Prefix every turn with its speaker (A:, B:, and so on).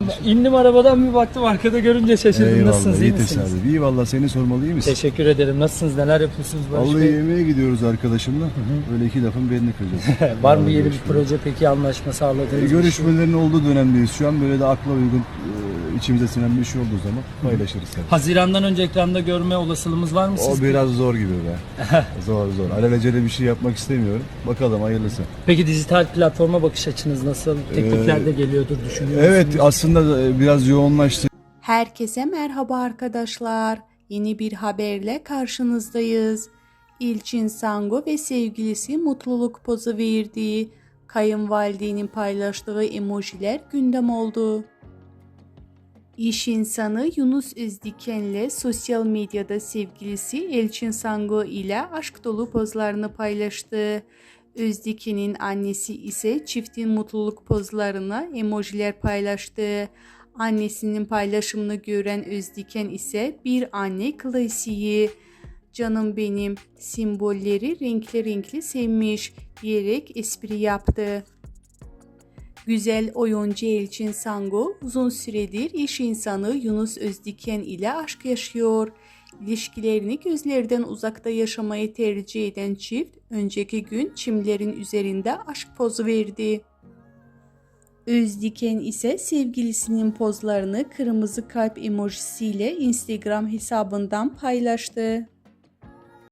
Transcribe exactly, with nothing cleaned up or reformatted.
A: İndim arabadan bir baktım arkada görünce şaşırdım.
B: Eyvallah,
A: Nasılsınız? İyi
B: iyi
A: misiniz?
B: tesadüf. İyi valla, seni sormalı, iyi misin?
A: Teşekkür ederim. Nasılsınız? Neler yapıyorsunuz Barış
B: Vallahi
A: Bey?
B: yemeğe gidiyoruz arkadaşımla. Böyle iki lafın belini kıracağız.
A: Var mı
B: Vallahi
A: yeni bir
B: görüşmeler.
A: proje peki, anlaşma sağladığınız
B: E,
A: bir şey?
B: görüşmelerin olduğu dönemdeyiz şu an. Böyle de akla uygun, e, içimize sinen bir şey olduğu zaman paylaşırız tabii.
A: Haziran'dan önce ekranda görme olasılığımız var mı
B: O
A: sizce?
B: biraz zor gibi be. Zor zor. Alelacele bir şey yapmak istemiyorum. Bakalım, hayırlısı.
A: Peki dijital platforma bakış açınız nasıl? Teklifler de geliyordur, düşünüyor musunuz?
B: Evet, aslında e, biraz yoğunlaştı.
C: Herkese merhaba arkadaşlar. Yeni bir haberle karşınızdayız. İlçin Sango ve sevgilisi mutluluk pozu verdi. Kayınvalidenin paylaştığı emojiler gündem oldu. İş insanı Yunus Özdiken'le sosyal medyada sevgilisi Elçin Sango ile aşk dolu pozlarını paylaştı. Özdiken'in annesi ise çiftin mutluluk pozlarına emojiler paylaştı. Annesinin paylaşımını gören Özdiken ise bir anne klasiği, "Canım benim" simbolleri renkli renkli sevmiş diyerek espri yaptı. Güzel oyuncu Elçin Sango uzun süredir iş insanı Yunus Özdiken ile aşk yaşıyor. İlişkilerini gözlerden uzakta yaşamayı tercih eden çift önceki gün çimlerin üzerinde aşk pozu verdi. Özdiken ise sevgilisinin pozlarını kırmızı kalp emojisiyle Instagram hesabından paylaştı.